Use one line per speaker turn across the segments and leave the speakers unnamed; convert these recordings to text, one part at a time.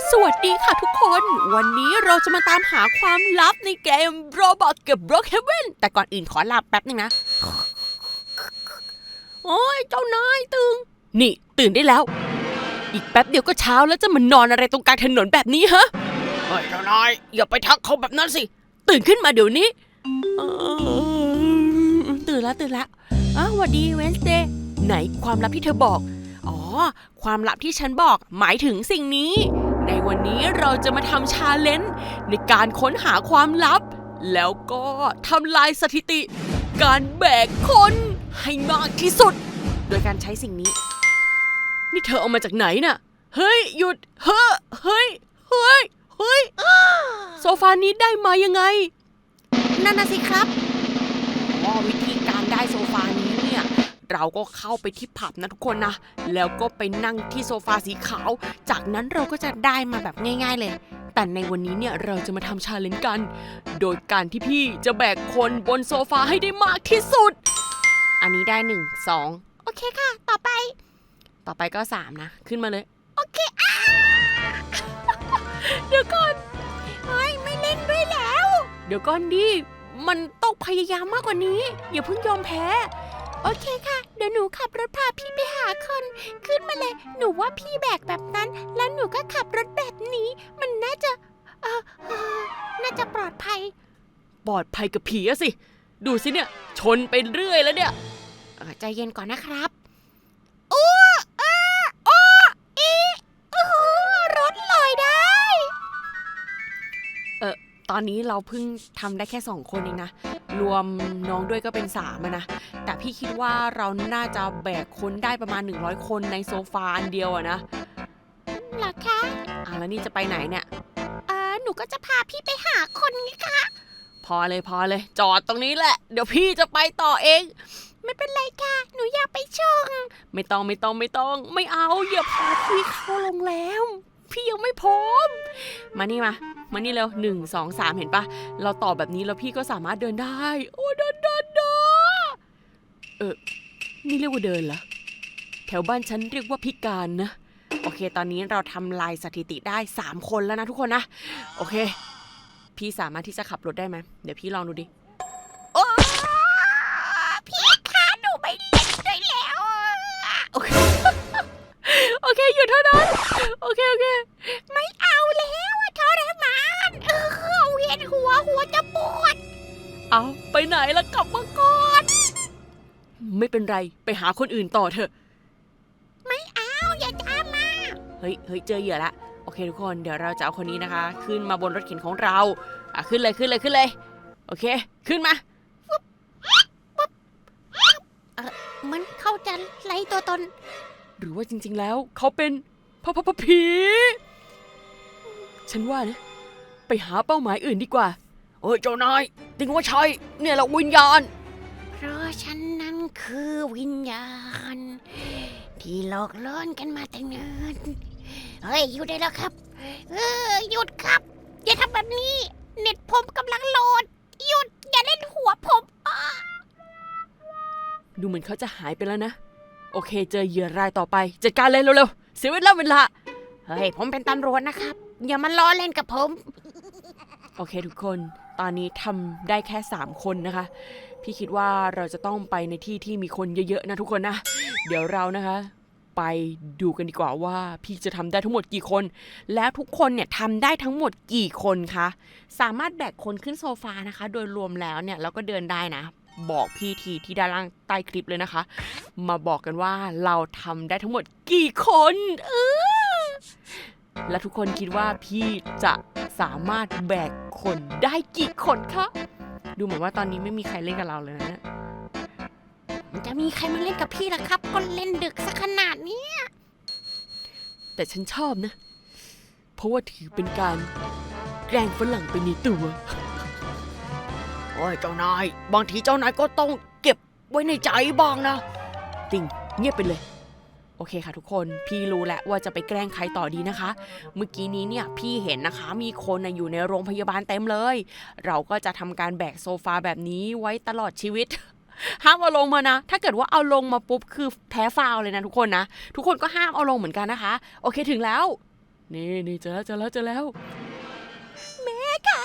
สวัสดีค่ะทุกคนวันนี้เราจะมาตามหาความลับในเกม Roblox กับ Brookhaven แต่ก่อนอื่นขอหลับแป๊บนึงนะโอ้ยเจ้านายนี่ตื่นได้แล้วอีกแป๊บเดียวก็เช้าแล้วจะมานอนอะไรตรงกลางถนนแบบนี้ฮะเฮ้ยเจ้านายอย่าไปทักเขาแบบนั้นสิตื่นขึ้นมาเดี๋ยวนี้ตื่นแล้วสวัสดีเวนสเดย์ไหนความลับที่เธอบอกอ๋อความลับที่ฉันบอกหมายถึงสิ่งนี้ในวันนี้เราจะมาทำชาเลนจ์ในการค้นหาความลับแล้วก็ทำลายสถิติการแบกคนให้มากที่สุดโดยการใช้สิ่งนี้นี่เธอเอามาจากไหนน่ะเฮ้ยหยุดเฮ้ยโซฟานี้ได้มายังไงนั่นน่ะสิครับวิธีการได้โซฟานี้เนี่ยเราก็เข้าไปที่ผับนะทุกคนนะแล้วก็ไปนั่งที่โซฟาสีขาวจากนั้นเราก็จะได้มาแบบง่ายๆเลยแต่ในวันนี้เนี่ยเราจะมาทำชาเลนจ์กันโดยการที่พี่จะแบกคนบนโซฟาให้ได้มากที่สุดอันนี้ได้1 2โอเคค่ะต่อไปก็3นะขึ้นมาเลยโอเคเดี๋ยวก่อนไม่เล่นด้วยแล้วเดี๋ยวก่อนดิมันต้องพยายามมากกว่านี้อย่าเพิ่งยอมแพ้โอเคค่ะเดี๋ยวหนูขับรถพาพี่ไปหาคนขึ้นมาเลยหนูว่าพี่แบกแบบนั้นแล้วหนูก็ขับรถแบบนี้มันน่าจะปลอดภัยกับผีอะสิดูสิเนี่ยชนไปเรื่อยแล้วเนี่ยใจเย็นก่อนนะครับรถลอยได้ตอนนี้เราเพิ่งทำได้แค่2คนเองนะรวมน้องด้วยก็เป็น3นะแต่พี่คิดว่าเราน่าจะแบกคนได้ประมาณ100คนในโซฟาอันเดียวอะนะหรอคะแล้วนี่จะไปไหนเนี่ยหนูก็จะพาพี่ไปหาคนไงคะพอเลยจอดตรงนี้แหละเดี๋ยวพี่จะไปต่อเองไม่เป็นไรค่ะหนูอยากไปชมไม่ต้องไม่เอาอย่าพาพี่เข้าโรงแรมพี่ยังไม่พร้อมมานี่เร็ว1 2 3เห็นปะเราต่อแบบนี้แล้วพี่ก็สามารถเดินได้โอ้เดินนี่เรียกว่าเดินเหรอแถวบ้านฉันเรียกว่าพิการนะโอเคตอนนี้เราทำลายสถิติได้3คนแล้วนะทุกคนนะโอเคพี่สามารถที่จะขับรถได้ไหมเดี๋ยวพี่ลองดูดิโอ้พี่คะหนูไม่เล่นด้วยแล้วโอเคหยุดเท่านั้นโอเคไม่เอาแล้วทรมานเวียนหัวจะปวดเอาไปไหนล่ะกลับมาก่อนไม่เป็นไรไปหาคนอื่นต่อเถอะไม่เอาอย่าตามมาเฮ้ยเจอเหยื่อละโอเคทุกคนเดี๋ยวเราจะเอาคนนี้นะคะขึ้นมาบนรถเข็นของเราขึ้นเลยโอเคขึ้นมามันเข้าจะไล่ตัวตนหรือว่าจริงๆแล้วเขาเป็นผีฉันว่านะไปหาเป้าหมายอื่นดีกว่าเจ้านายติงว่าใช่เนี่ยแหละวิญญาณเพราะฉันนั้นคือวิญญาณที่หลอกล่อกันมาแต่เนิ่นเฮ้ยหยุดได้แล้วครับหยุดครับอย่าทำแบบนี้เน็ตผมกำลังโหลดหยุดอย่าเล่นหัวผมดูเหมือนเขาจะหายไปแล้วนะโอเคเจอเหยื่อรายต่อไปจัดการเลยเร็วๆเสียเวลาเฮ้ยผมเป็นตำรวจนะครับอย่ามาล้อเล่นกับผมโอเคทุกคนตอนนี้ทำได้แค่3คนนะคะพี่คิดว่าเราจะต้องไปในที่ที่มีคนเยอะๆนะทุกคนนะเดี๋ยวเรานะคะไปดูกันดีกว่าว่าพี่จะทำได้ทั้งหมดกี่คนแล้วทุกคนเนี่ยทำได้ทั้งหมดกี่คนคะสามารถแบกคนขึ้นโซฟานะคะโดยรวมแล้วเนี่ยเราก็เดินได้นะบอกพี่ทีที่ด้านล่างใต้คลิปเลยนะคะมาบอกกันว่าเราทำได้ทั้งหมดกี่คนและทุกคนคิดว่าพี่จะสามารถแบกคนได้กี่คนคะดูเหมือนว่าตอนนี้ไม่มีใครเล่นกับเราเลยนะมันจะมีใครมาเล่นกับพี่ล่ะครับก็เล่นดึกซะขนาดนี้แต่ฉันชอบนะเพราะว่าถือเป็นการแกล้งฝรั่งไปในตัวโอ้ยเจ้านายบางทีเจ้านายก็ต้องเก็บไว้ในใจบ้างนะติงเงียบไปเลยโอเคค่ะทุกคนพี่รู้แล้วว่าจะไปแกล้งใครต่อดีนะคะเมื่อกี้นี้เนี่ยพี่เห็นนะคะมีคนอยู่ในโรงพยาบาลเต็มเลยเราก็จะทำการแบกโซฟาแบบนี้ไว้ตลอดชีวิตห้ามเอาลงมานะถ้าเกิดว่าเอาลงมาปุ๊บคือแพ้ฟาวเลยนะทุกคนนะทุกคนก็ห้ามเอาลงเหมือนกันนะคะโอเคถึงแล้วนี่เจอแล้ว
แม่คะ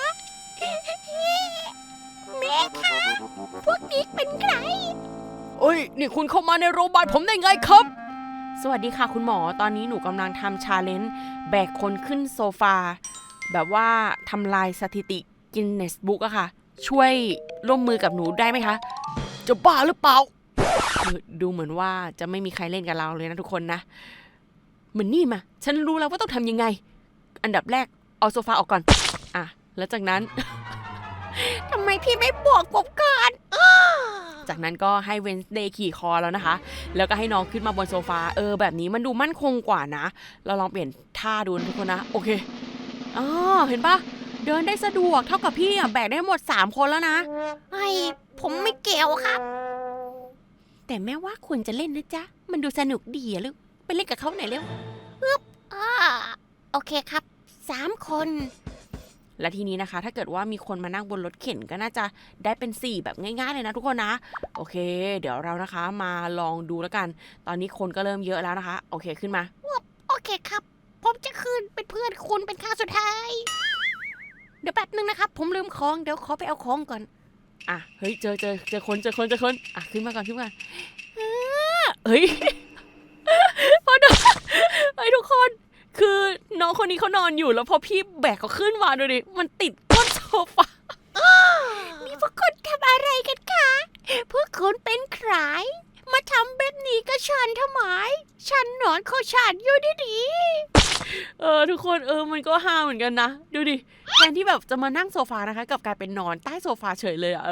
แม่คะพวกนี้เป็นใคร
เอ้ยนี่คุณเข้ามาในโรงพยาบาลผมได้ไงครับสวัสดีค่ะคุณหมอตอนนี้หนูกำลังทำชาเลนจ์แบกคนขึ้นโซฟาแบบว่าทำลายสถิติกินเนสบุ๊กอะค่ะช่วยร่วมมือกับหนูได้ไหมคะจะบ้าหรือเปล่าดูเหมือนว่าจะไม่มีใครเล่นกับเราเลยนะทุกคนนะเหมือนนี่มาฉันรู้แล้วว่าต้องทำยังไงอันดับแรกเอาโซฟาออกก่อนอ่ะแล้วจากนั้น
ทำไมพี่ไม่บวกผมก่อน
จากนั้นก็ให้เวนส์เดย์ขี่คอแล้วนะคะแล้วก็ให้น้องขึ้นมาบนโซฟาแบบนี้มันดูมั่นคงกว่านะเราลองเปลี่ยนท่าดูทุกคนนะโอเคอ๋อเห็นปะเดินได้สะดวกเท่ากับพี่แบกได้หมด3คนแล้วนะ
ผมไม่เกี่ยวครับ
แต่แม่ว่าควรจะเล่นนะจ๊ะมันดูสนุกดีอะลูกไปเล่นกับเขาหน่อยเร็ว
โอเคครับ3 คน
และทีนี้นะคะถ้าเกิดว่ามีคนมานั่งบนรถเข็นก็น่าจะได้เป็น4แบบง่ายๆเลยนะทุกคนนะโอเคเดี๋ยวเรานะคะมาลองดูแล้วกันตอนนี้คนก็เริ่มเยอะแล้วนะคะโอเคขึ้นมา
โอเคครับผมจะขึ้นเป็นเพื่อนคุณเป็นครั้งสุดท้ายเดี๋ยวแป๊บนึงนะครับผมลืมของเดี๋ยวขอไปเอาของก่อน
อ่ะเฮ้ยเจอคนอ่ะขึ้นมาก่อนเฮ้ยพอดูเฮ้ยทุกคนคือน้องคนนี้เขานอนอยู่แล้วพอพี่แบกเขาขึ้นมาดูดิมันติดก้นโซฟา
นี่พวกคุณทำอะไรกันคะพวกคุณเป็นใครมาทำแบบนี้กับฉันทำไมฉันนอนของฉันอยู่ดี
ทุกคนมันก็ฮาเหมือนกันนะดูดิแทนที่แบบจะมานั่งโซฟานะคะกลับกลายเป็นนอนใต้โซฟาเฉยเลย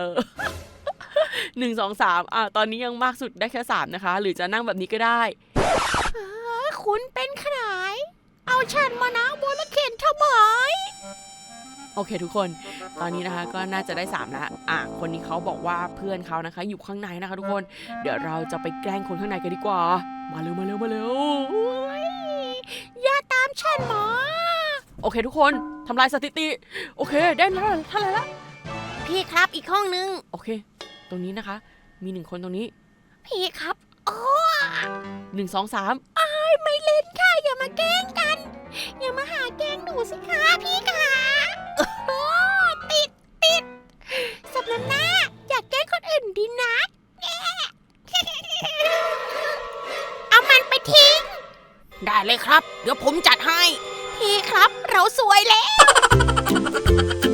1 2 3ตอนนี้ยังมากสุดได้แค่3นะคะหรือจะนั่งแบบนี้ก็ได้
คุณเป็นใครเอาฉันมานั่งบนรถเข็นทำไม
โอเคทุกคนตอนนี้นะคะก็น่าจะได้3แล้วคนนี้เขาบอกว่าเพื่อนเขานะคะอยู่ข้างในนะคะทุกคนเดี๋ยวเราจะไปแกล้งคนข้างในกันดีกว่ามาเร็ว
อย่าตามฉันมา
โอเคทุกคนทำลายสถิติโอเคได้แล้วเท่าไหร่ละ
พี่ครับอีกห้องนึง
โอเคตรงนี้นะคะมี1คนตรงนี้
พี่ครับ
1 2 3
ไม่เล่นค่ะอย่ามาแกล้งกันอย่ามาหาแกล้งหนูสิคะพี่ค่ะติดสับน้ำหน้าอยากแกล้งคนอื่นดีนะเอามันไปทิ้ง
ได้เลยครับเดี๋ยวผมจัดให้
พี่ครับเราสวยแล้ว